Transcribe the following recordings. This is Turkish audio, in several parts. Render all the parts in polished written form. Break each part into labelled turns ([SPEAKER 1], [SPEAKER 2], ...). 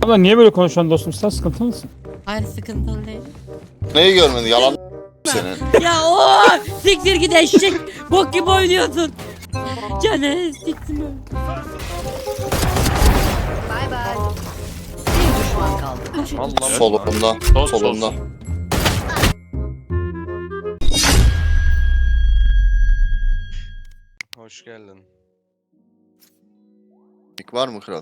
[SPEAKER 1] Abla niye böyle konuşuyorsun dostum? Sen sıkıntı mısın?
[SPEAKER 2] Hayır, sıkıntılı değil.
[SPEAKER 3] Neyi görmedin? Yalan senin.
[SPEAKER 2] Ya o siktir git eşek. Bok gibi oynuyorsun. Canı siktim öyle.
[SPEAKER 4] Bay bay. Bir düşman kaldı.
[SPEAKER 5] Allah
[SPEAKER 3] Solunda.
[SPEAKER 5] Sol, sol,
[SPEAKER 3] Solunda.
[SPEAKER 5] sol. Hoş geldin.
[SPEAKER 3] İlk var mı kral?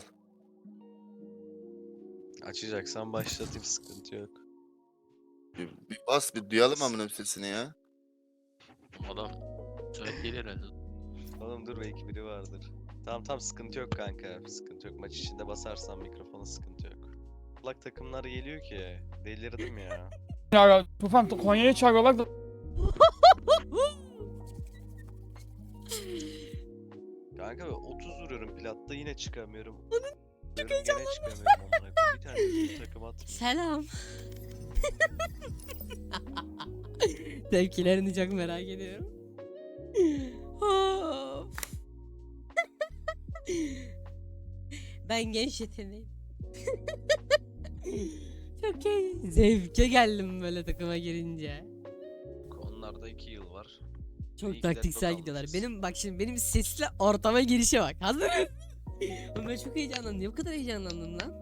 [SPEAKER 5] Açacaksan başlatayım, sıkıntı yok.
[SPEAKER 3] Bir bas bir duyalım amına sesini ya.
[SPEAKER 6] Adam sürekli gelir herhalde.
[SPEAKER 5] Oğlum dur, belki biri vardır. Tamam sıkıntı yok kanka. Sıkıntı yok. Maç içinde basarsan mikrofona sıkıntı yok. Kulak takımlar geliyor ki. Delirdim ya.
[SPEAKER 1] Ya Tufan Konya'ya çağırıyorlar da.
[SPEAKER 5] Kanka 30 vuruyorum platta, yine çıkamıyorum. Çok heyecanlandım. Gene çıkamıyorum amına koyayım. Bir tane bir takım atmıyor.
[SPEAKER 2] Selam. Tepkilerini çok merak ediyorum. Of. Ben genç yeteneğim. Çok zevke geldim böyle takıma girince.
[SPEAKER 5] Onlarda 2 yıl var.
[SPEAKER 2] Çok
[SPEAKER 5] İyi ki de
[SPEAKER 2] taktiksel
[SPEAKER 5] çok
[SPEAKER 2] gidiyorlar.
[SPEAKER 5] almışız.
[SPEAKER 2] Benim bak şimdi benim sesle ortama girişe bak. Hazır mısın? Oğlum ben çok heyecanlandım. Niye bu kadar heyecanlandım lan?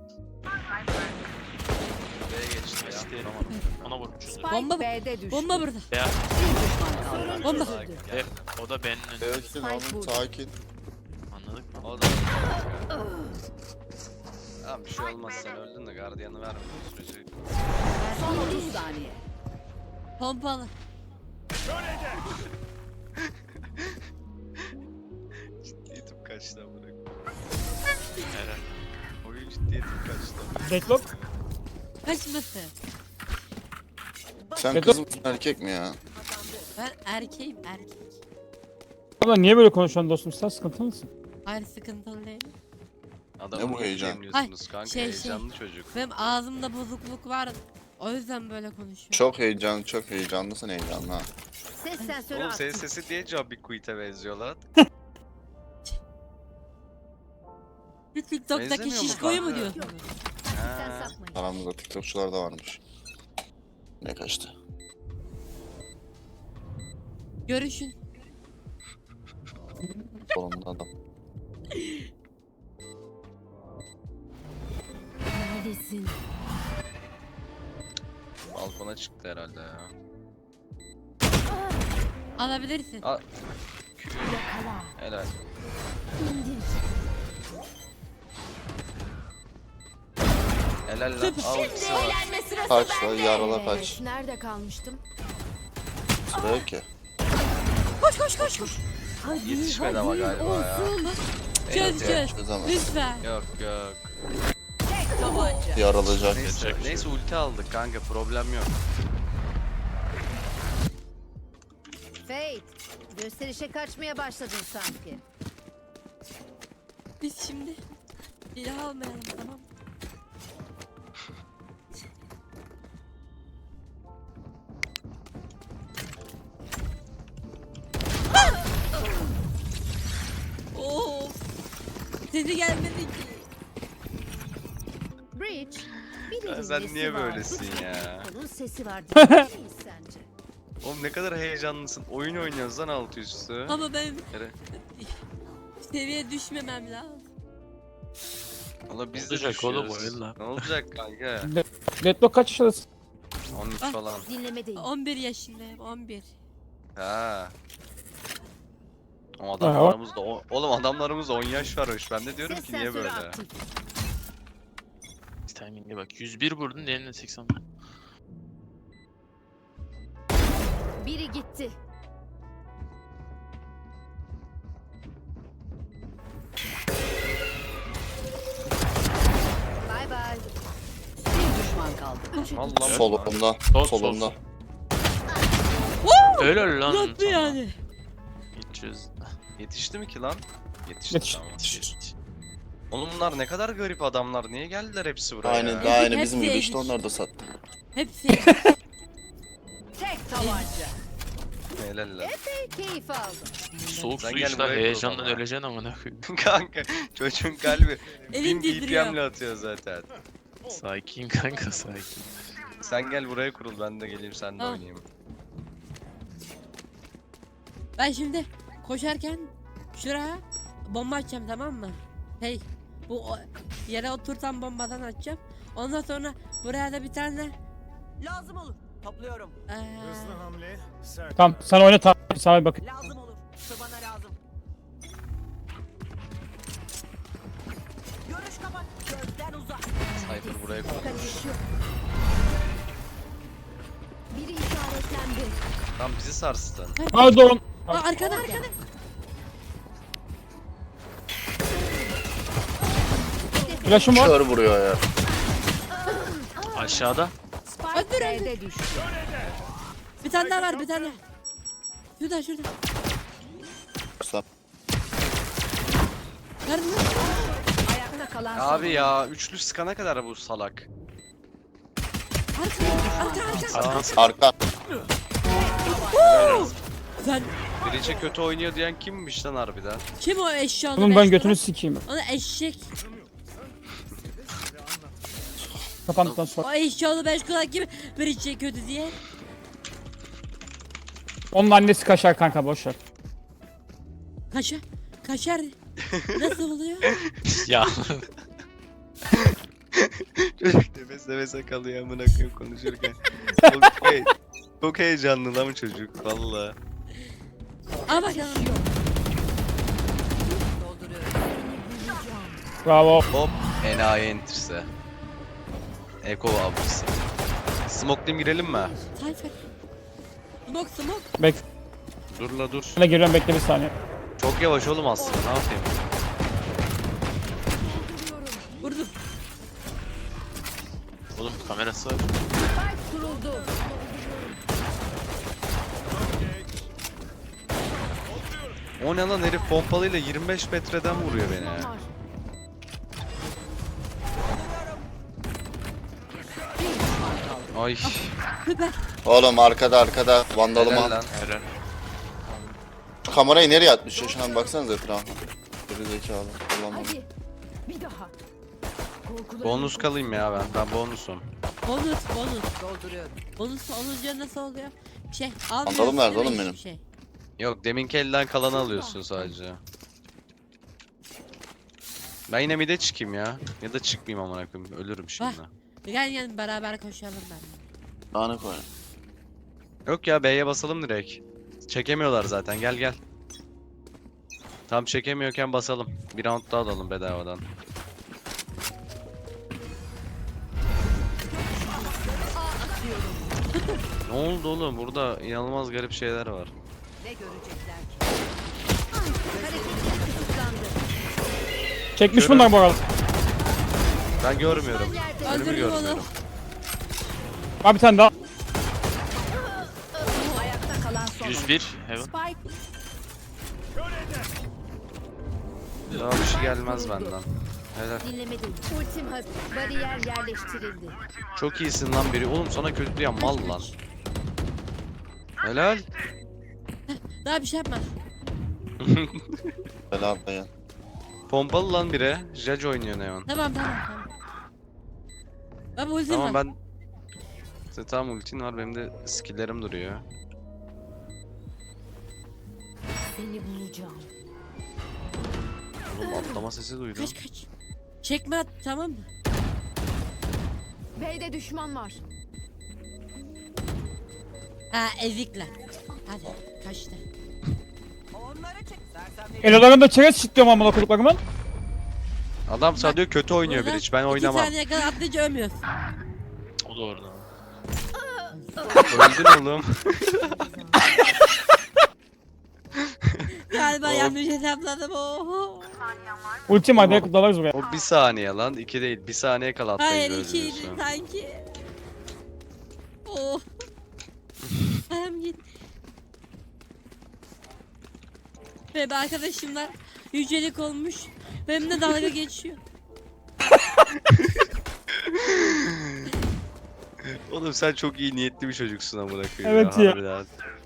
[SPEAKER 5] B'ye geçti ya.
[SPEAKER 6] İşte
[SPEAKER 5] Tamam.
[SPEAKER 6] ona vurmuşuz.
[SPEAKER 4] Spike
[SPEAKER 2] Bomba-
[SPEAKER 4] B'de düştü.
[SPEAKER 2] Bomba burada.
[SPEAKER 6] Ya
[SPEAKER 4] Bir düşman kaldı.
[SPEAKER 2] Bomba.
[SPEAKER 6] o da benim önümde.
[SPEAKER 3] Ölsün oğlum sakin.
[SPEAKER 6] Anladık mı?
[SPEAKER 5] O da. Tamam, bir şey olmaz, sen öldün de gardiyanı vermedin sürece.
[SPEAKER 4] Son 30 saniye.
[SPEAKER 2] Pompalı.
[SPEAKER 5] Ciddiyetim kaçtı amına koyayım.
[SPEAKER 6] Herhalde.
[SPEAKER 5] Oyun ciddiyetim kaçtı amına koyayım.
[SPEAKER 1] Deadlock.
[SPEAKER 2] Kaçması.
[SPEAKER 3] Sen
[SPEAKER 1] Peki.
[SPEAKER 3] kız mısın erkek mi ya?
[SPEAKER 2] Ben erkeğim erkek.
[SPEAKER 1] Abla niye böyle konuşuyorsun dostum? Sen sıkıntı mısın?
[SPEAKER 2] Hayır, sıkıntılı değil.
[SPEAKER 5] Adamı
[SPEAKER 3] Ne bu
[SPEAKER 5] niye
[SPEAKER 3] heyecan?
[SPEAKER 5] yemliyorsunuz kanka,
[SPEAKER 2] şey.
[SPEAKER 5] heyecanlı çocuk.
[SPEAKER 2] Benim ağzımda bozukluk var. O yüzden böyle konuşuyorum.
[SPEAKER 3] Çok heyecanlısın heyecanlı ha.
[SPEAKER 4] Ses sensörü
[SPEAKER 5] Oğlum senin
[SPEAKER 4] aktif.
[SPEAKER 5] sesi diye Jobby Quit'e benziyor lan.
[SPEAKER 2] Bir TikTok'taki
[SPEAKER 5] Benzemiyor mu
[SPEAKER 2] şişkoyu mu
[SPEAKER 5] kanka?
[SPEAKER 2] diyorsun?
[SPEAKER 4] Sen
[SPEAKER 5] Ha.
[SPEAKER 4] sapmayın.
[SPEAKER 3] Aramızda TikTokçular da varmış. Ne kaçtı?
[SPEAKER 2] Görüşün.
[SPEAKER 3] Solunda adam.
[SPEAKER 4] Neredesin?
[SPEAKER 5] Balkona çıktı herhalde ya.
[SPEAKER 2] Alabilirsin.
[SPEAKER 5] Al.
[SPEAKER 4] Yakala.
[SPEAKER 5] Helal.
[SPEAKER 4] İndir.
[SPEAKER 5] Helal lan. Al ikisi var.
[SPEAKER 4] Eğlenme sırası
[SPEAKER 3] Kaç
[SPEAKER 4] bende.
[SPEAKER 3] lan, yarala kaç.
[SPEAKER 4] Nerede kalmıştım?
[SPEAKER 3] Sıra yok ki.
[SPEAKER 2] Koş.
[SPEAKER 4] Hadi,
[SPEAKER 5] Yetişmedi ama galiba ya.
[SPEAKER 2] Çöz çöz.
[SPEAKER 3] Çözemez.
[SPEAKER 2] Lütfen.
[SPEAKER 5] Yok.
[SPEAKER 4] Tek tabanca.
[SPEAKER 3] Yaralacak.
[SPEAKER 5] Neyse ulti aldık kanka, problem yok.
[SPEAKER 4] Fate. Gösterişe kaçmaya başladın sanki.
[SPEAKER 2] Biz şimdi silah almayalım, tamam. Of. Sesi gelmedi ki.
[SPEAKER 4] Bridge. Bir
[SPEAKER 5] Ya
[SPEAKER 4] elin
[SPEAKER 5] sen
[SPEAKER 4] nesi
[SPEAKER 5] niye
[SPEAKER 4] var?
[SPEAKER 5] böylesin ya?
[SPEAKER 4] Onun sesi var diyebilir miyiz sence?
[SPEAKER 5] Oğlum ne kadar heyecanlısın. Oyun oynuyoruz lan alt üstü.
[SPEAKER 2] Ama ben
[SPEAKER 5] Nere?
[SPEAKER 2] seviye düşmemem lazım.
[SPEAKER 5] Valla biz de
[SPEAKER 6] Olacak oğlum,
[SPEAKER 5] düşüyoruz.
[SPEAKER 6] oyun lan.
[SPEAKER 5] Ne olacak kanka?
[SPEAKER 1] Deadlock kaç yaşındasın?
[SPEAKER 5] 13
[SPEAKER 2] Ah.
[SPEAKER 5] falan.
[SPEAKER 4] Dinlemedeyim.
[SPEAKER 2] 11 yaşındayım, 11.
[SPEAKER 5] Ha. O adamlarımızda oğlum adamlarımızda 10 yaş varmış. Ben de diyorum
[SPEAKER 4] Ses
[SPEAKER 5] ki niye
[SPEAKER 4] sensörü
[SPEAKER 5] böyle?
[SPEAKER 4] aktif.
[SPEAKER 6] Timing'e bak. 101 vurdun, diğerine 80.
[SPEAKER 4] Biri gitti. Bay bay. Bir düşman kaldı.
[SPEAKER 5] Allah
[SPEAKER 3] Solunda.
[SPEAKER 6] Sol,
[SPEAKER 3] Solunda.
[SPEAKER 6] sol. Helal lan.
[SPEAKER 2] Nasıl
[SPEAKER 6] sana.
[SPEAKER 2] yani?
[SPEAKER 6] Gideceğiz.
[SPEAKER 5] Yetişti mi ki lan? Yetişti,
[SPEAKER 1] Yetiş.
[SPEAKER 5] tamam. Oğlum bunlar ne kadar garip adamlar. Niye geldiler hepsi buraya?
[SPEAKER 3] Aynen
[SPEAKER 5] ya?
[SPEAKER 3] daha aynı
[SPEAKER 2] Hepsi
[SPEAKER 3] bizim gibi işte
[SPEAKER 2] ezik.
[SPEAKER 3] onlar da sattı.
[SPEAKER 2] Hepsi.
[SPEAKER 4] Tek tabanca.
[SPEAKER 5] Helal lan.
[SPEAKER 4] Keyif aldım.
[SPEAKER 6] Soğuk
[SPEAKER 5] Sen
[SPEAKER 6] su
[SPEAKER 5] gel
[SPEAKER 6] işte,
[SPEAKER 5] buraya
[SPEAKER 6] heyecandan
[SPEAKER 5] kurban ha.
[SPEAKER 6] öleceksin amına koyayım.
[SPEAKER 5] Kanka çocuğun kalbi
[SPEAKER 2] Elim
[SPEAKER 5] 1000
[SPEAKER 2] titriyor.
[SPEAKER 5] BPM'le atıyor zaten.
[SPEAKER 6] Sakin kanka sakin.
[SPEAKER 5] Sen gel buraya kurul, ben de geleyim seninle
[SPEAKER 2] Tamam.
[SPEAKER 5] oynayayım.
[SPEAKER 2] Ben şimdi koşarken şuraya bomba atacağım, tamam mı? Hey, yere oturtan bombadan atacağım. Ondan sonra buraya da bir tane
[SPEAKER 7] Lazım olur. Topluyorum.
[SPEAKER 8] Hızlı hamle, sert.
[SPEAKER 1] Tamam sen oyna tamam. Sağa bak.
[SPEAKER 7] Lazım olur. Şu bana lazım. Görüş kapat. Gözden uzak.
[SPEAKER 5] Cypher buraya kurul.
[SPEAKER 4] Kaçış yok. Biri işaretlendi.
[SPEAKER 5] Tam bizi sarstın.
[SPEAKER 1] Pardon.
[SPEAKER 2] arkada.
[SPEAKER 1] Flash'ım var.
[SPEAKER 3] Kör vuruyor ya.
[SPEAKER 6] Aşağıda.
[SPEAKER 4] Spike B'de düştü.
[SPEAKER 2] Bir tane daha var, bir tane. Şurada.
[SPEAKER 3] Sap.
[SPEAKER 2] Nerede?
[SPEAKER 4] Ayakta kalan son.
[SPEAKER 5] Abi ya, üçlü sıkana kadar bu salak.
[SPEAKER 2] Arka.
[SPEAKER 3] Arka.
[SPEAKER 2] Sen
[SPEAKER 5] Birice kötü oynuyor diyen kimmiş lan harbiden?
[SPEAKER 2] kim o eşyalı?
[SPEAKER 1] Oğlum ben
[SPEAKER 2] beş
[SPEAKER 1] götünü
[SPEAKER 2] kulak?
[SPEAKER 1] sikeyim.
[SPEAKER 2] Onu eşek.
[SPEAKER 1] Kapandıktan sonra.
[SPEAKER 2] O eşyalı 5 kulak kim? Bir içe kötü diye.
[SPEAKER 1] Onun annesi kaşar kanka boşver.
[SPEAKER 2] Kaşar. Nasıl oluyor?
[SPEAKER 6] Ya.
[SPEAKER 5] Çocuk nefese kalıyor amına koyayım konuşurken. Çok heyecanlı lan çocuk valla.
[SPEAKER 2] Al bakalım.
[SPEAKER 1] Bravo.
[SPEAKER 5] Hop enayi enterse. Eko avcısı. Smoke'layım girelim mi?
[SPEAKER 2] Tayfer. Smoke.
[SPEAKER 1] Bek.
[SPEAKER 5] Dur la dur.
[SPEAKER 1] Ben de geliyorum bekle bir saniye.
[SPEAKER 5] Çok yavaş oğlum aslında, ne yapayım?
[SPEAKER 2] Vurdum.
[SPEAKER 6] Oğlum kamerası var.
[SPEAKER 4] Spike kuruldu.
[SPEAKER 5] O ne lan, herif pompalıyla 25 metreden vuruyor beni ya.
[SPEAKER 4] Var.
[SPEAKER 5] Ay
[SPEAKER 2] Süper.
[SPEAKER 3] Oğlum arkada vandalım
[SPEAKER 5] helal
[SPEAKER 3] al.
[SPEAKER 5] lan.
[SPEAKER 6] Helal.
[SPEAKER 3] Şu kamerayı nereye atmış ya? Şuna bir baksanıza etrafa. Geri zekalı. Ulan
[SPEAKER 4] Hadi. Bir daha. Korkularım
[SPEAKER 5] Bonus kalayım ya ben bonusum.
[SPEAKER 2] Bonus.
[SPEAKER 7] Dolduruyorum.
[SPEAKER 2] Bonus olunca nasıl oluyor? Şey
[SPEAKER 3] Vandalım
[SPEAKER 2] almıyorsun
[SPEAKER 3] nerede
[SPEAKER 2] değil mi
[SPEAKER 3] oğlum benim?
[SPEAKER 2] hiçbir şey?
[SPEAKER 5] Yok, deminki elden kalanı alıyorsun sadece. Ben yine mid'e çıkayım ya. Ya da çıkmayayım amına koyayım. Ölürüm şimdi.
[SPEAKER 2] Gel beraber koşalım ben.
[SPEAKER 3] Daha ne koy?
[SPEAKER 5] Yok ya, B'ye basalım direkt. Çekemiyorlar zaten, gel. Tam çekemiyorken basalım. Bir round daha alalım bedavadan. Ne oldu oğlum? Burada inanılmaz garip şeyler var.
[SPEAKER 7] Ne görecekler ki?
[SPEAKER 4] hareketleri kısıtlandı.
[SPEAKER 1] Çekmiş
[SPEAKER 5] Şöyle-
[SPEAKER 1] bunlar bu arada.
[SPEAKER 5] Ben görmüyorum.
[SPEAKER 4] Yerde.
[SPEAKER 5] Önümü
[SPEAKER 2] Öldürdüm onu.
[SPEAKER 5] görmüyorum.
[SPEAKER 1] Abi bir tane daha.
[SPEAKER 7] Ayakta kalan son.
[SPEAKER 6] 101. Heaven.
[SPEAKER 4] Spike
[SPEAKER 5] Daha bir şey gelmez benden. Helal.
[SPEAKER 4] dinlemedim. Ultim hazır. Bariyer yerleştirildi.
[SPEAKER 5] Çok iyisin lan biri. Oğlum sana kötü diyen mal lan. Helal.
[SPEAKER 2] Daha bir şey yapma.
[SPEAKER 3] Helal dayan.
[SPEAKER 5] Pompalı lan biri. Judge oynuyor Neon.
[SPEAKER 2] Tamam. Baba ultim
[SPEAKER 5] Tamam
[SPEAKER 2] var.
[SPEAKER 5] ben... Sen tam ultin var, benim de skill'lerim duruyor.
[SPEAKER 4] Seni bulacağım.
[SPEAKER 5] Oğlum atlama sesi duydum.
[SPEAKER 2] Kaç. Çekme at, tamam mı?
[SPEAKER 4] B'de düşman var.
[SPEAKER 2] Ha ezikler. Hadi kaçtı.
[SPEAKER 7] Onları çek. Sersemleri.
[SPEAKER 1] Elolarında çerez çitliyorum amına koduklarımın.
[SPEAKER 5] Adam sana diyor kötü oynuyor
[SPEAKER 2] Burada
[SPEAKER 5] bir hiç, ben oynamam.
[SPEAKER 2] 2 saniye kadar atlayınca ölmüyorsun.
[SPEAKER 6] O da orada.
[SPEAKER 5] Öldün oğlum.
[SPEAKER 2] Galiba
[SPEAKER 5] Of.
[SPEAKER 2] yanlış hesapladım. Oho.
[SPEAKER 1] Ultim hadi yakıp dalarız buraya.
[SPEAKER 5] O bir saniye lan, 2 değil. Bir saniye kala
[SPEAKER 2] Hayır
[SPEAKER 5] atlayınca
[SPEAKER 2] 2'ydi
[SPEAKER 5] özlüyorsun.
[SPEAKER 2] sanki. Oh. Ayağım git. Ve arkadaşımlar yücelik olmuş. Benimle dalga geçiyor.
[SPEAKER 5] Oğlum sen çok iyi niyetli bir çocuksun amına koyayım.
[SPEAKER 1] Evet ya.
[SPEAKER 5] Harbiden.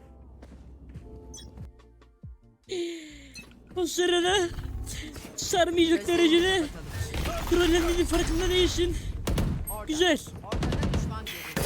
[SPEAKER 2] O sırada sarmayacak derecede trollendiğinin farkında değilsin.
[SPEAKER 7] orada.
[SPEAKER 2] Güzel.
[SPEAKER 7] Ortada düşman görüldü.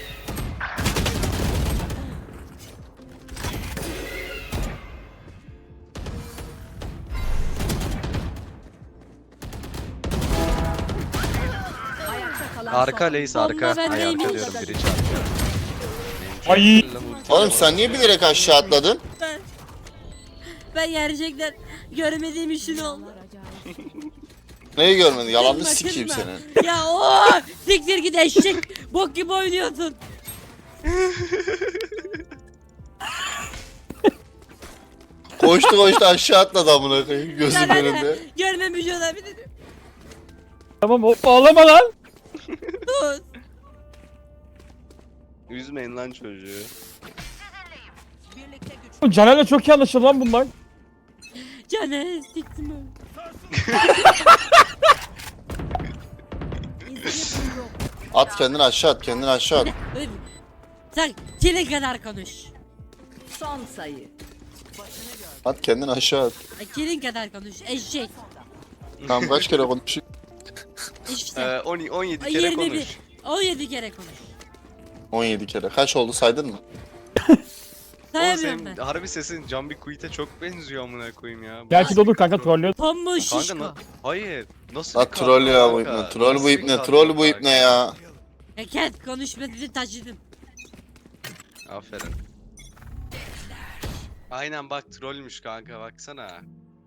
[SPEAKER 7] Ayakta kalan
[SPEAKER 5] Arka
[SPEAKER 7] son.
[SPEAKER 5] Leys arka.
[SPEAKER 2] Bomba
[SPEAKER 5] Ay
[SPEAKER 2] bendeymiş.
[SPEAKER 5] arka diyorum biri çarpıyor.
[SPEAKER 1] Ay.
[SPEAKER 3] Oğlum sen niye bilerek aşağı atladın?
[SPEAKER 2] Ben gerçekten görmediğim işin oldu.
[SPEAKER 3] Neyi görmedin? Yalanını
[SPEAKER 2] Kızma,
[SPEAKER 3] sikeyim
[SPEAKER 2] kızma.
[SPEAKER 3] senin.
[SPEAKER 2] Ya o siktir git eşek. Bok gibi oynuyorsun.
[SPEAKER 3] Koştu aşağı atladı amına koyayım gözümün
[SPEAKER 2] Ya ben
[SPEAKER 3] önünde.
[SPEAKER 2] de görmemiş olabilirim.
[SPEAKER 1] Tamam hop ağlama lan.
[SPEAKER 2] Dur.
[SPEAKER 5] Üzmeyin lan çocuğu.
[SPEAKER 7] Birlikte güç.
[SPEAKER 1] Bu Caner'le çok iyi anlaşıldı lan bunlar.
[SPEAKER 2] Caner siktim öyle.
[SPEAKER 3] At kendini aşağı at kendini aşağı at.
[SPEAKER 2] Sen çile kadar konuş.
[SPEAKER 7] Son sayı.
[SPEAKER 3] At kendini aşağı at.
[SPEAKER 2] Kilin kadar konuş. Eşek.
[SPEAKER 3] Tamam kaç kere konuştuk?
[SPEAKER 2] İşte.
[SPEAKER 5] 17 kere
[SPEAKER 2] 21.
[SPEAKER 5] konuş.
[SPEAKER 2] 17 kere konuş.
[SPEAKER 3] 17 kere. Kaç oldu saydın mı?
[SPEAKER 5] Oğlum
[SPEAKER 2] Sayamıyorum
[SPEAKER 5] senin
[SPEAKER 2] ben.
[SPEAKER 5] harbi sesin Can Quit'e çok benziyor amına koyayım ya.
[SPEAKER 1] Gerçi de olur kanka trollüyor.
[SPEAKER 2] Tombo
[SPEAKER 5] Kanka
[SPEAKER 2] şişko.
[SPEAKER 5] hayır. Nasıl
[SPEAKER 3] La
[SPEAKER 5] bir
[SPEAKER 3] troll
[SPEAKER 5] kadro
[SPEAKER 3] ya bu
[SPEAKER 5] kanka?
[SPEAKER 3] ipne. Troll
[SPEAKER 5] Nasıl
[SPEAKER 3] bu
[SPEAKER 5] bir
[SPEAKER 3] ipne.
[SPEAKER 5] kadro
[SPEAKER 3] Troll bu
[SPEAKER 5] kanka?
[SPEAKER 3] ipne ya.
[SPEAKER 2] Eket konuşmasını taşıdım.
[SPEAKER 5] Aferin. Aynen bak trollmüş kanka baksana.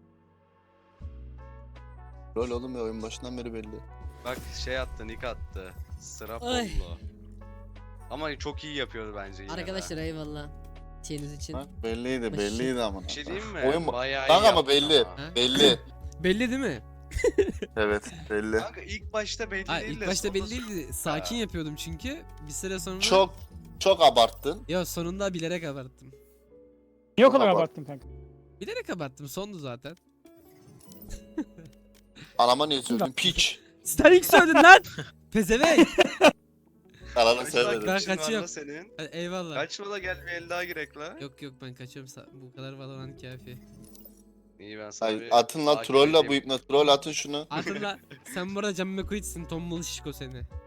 [SPEAKER 3] Troll oğlum ya oyun başından beri belli.
[SPEAKER 5] Bak şey attı nick attı. Sıra
[SPEAKER 2] Ay.
[SPEAKER 5] Pollo. Ama çok iyi yapıyordu bence yine de.
[SPEAKER 2] Arkadaşlar eyvallah. Şeyiniz için.
[SPEAKER 3] Ha? Belliydi belliydi ama.
[SPEAKER 5] Bir şey diyeyim mi?
[SPEAKER 3] Oyun
[SPEAKER 5] Bayağı iyi
[SPEAKER 3] Kanka ama
[SPEAKER 5] yaptı
[SPEAKER 3] belli.
[SPEAKER 5] ama.
[SPEAKER 3] Belli.
[SPEAKER 9] Belli değil mi?
[SPEAKER 3] Evet belli.
[SPEAKER 5] Kanka ilk başta belli
[SPEAKER 9] Hayır
[SPEAKER 5] değil
[SPEAKER 9] ilk
[SPEAKER 5] de
[SPEAKER 9] başta
[SPEAKER 5] sonra-
[SPEAKER 9] belli değildi. Sakin yapıyordum çünkü. Bir süre sonra...
[SPEAKER 3] Çok abarttın.
[SPEAKER 9] Ya sonunda bilerek abarttım.
[SPEAKER 1] Niye o kadar
[SPEAKER 3] Abart.
[SPEAKER 1] abarttın kanka?
[SPEAKER 9] Bilerek abarttım. Sondu zaten.
[SPEAKER 3] Anama niye söyledin? Piç.
[SPEAKER 9] Sen ilk söyledin lan! Pezevenk!
[SPEAKER 3] Ananı
[SPEAKER 5] Kaç
[SPEAKER 3] söyledin.
[SPEAKER 9] Ben
[SPEAKER 5] dakika var
[SPEAKER 9] kaçıyorum.
[SPEAKER 5] la senin?
[SPEAKER 9] Hadi eyvallah.
[SPEAKER 5] Kaçma da gel bir el daha girek la.
[SPEAKER 9] Yok yok ben kaçıyorum. Bu kadar Valorant kafi.
[SPEAKER 5] İyi ben sana
[SPEAKER 3] Ay,
[SPEAKER 5] bir
[SPEAKER 3] atın la
[SPEAKER 5] takip
[SPEAKER 3] troll la bu
[SPEAKER 5] edeyim.
[SPEAKER 3] ipne. Troll atın şunu.
[SPEAKER 9] Hatırla sen bu arada Can McQuaid'sin. Tombul şişko seni.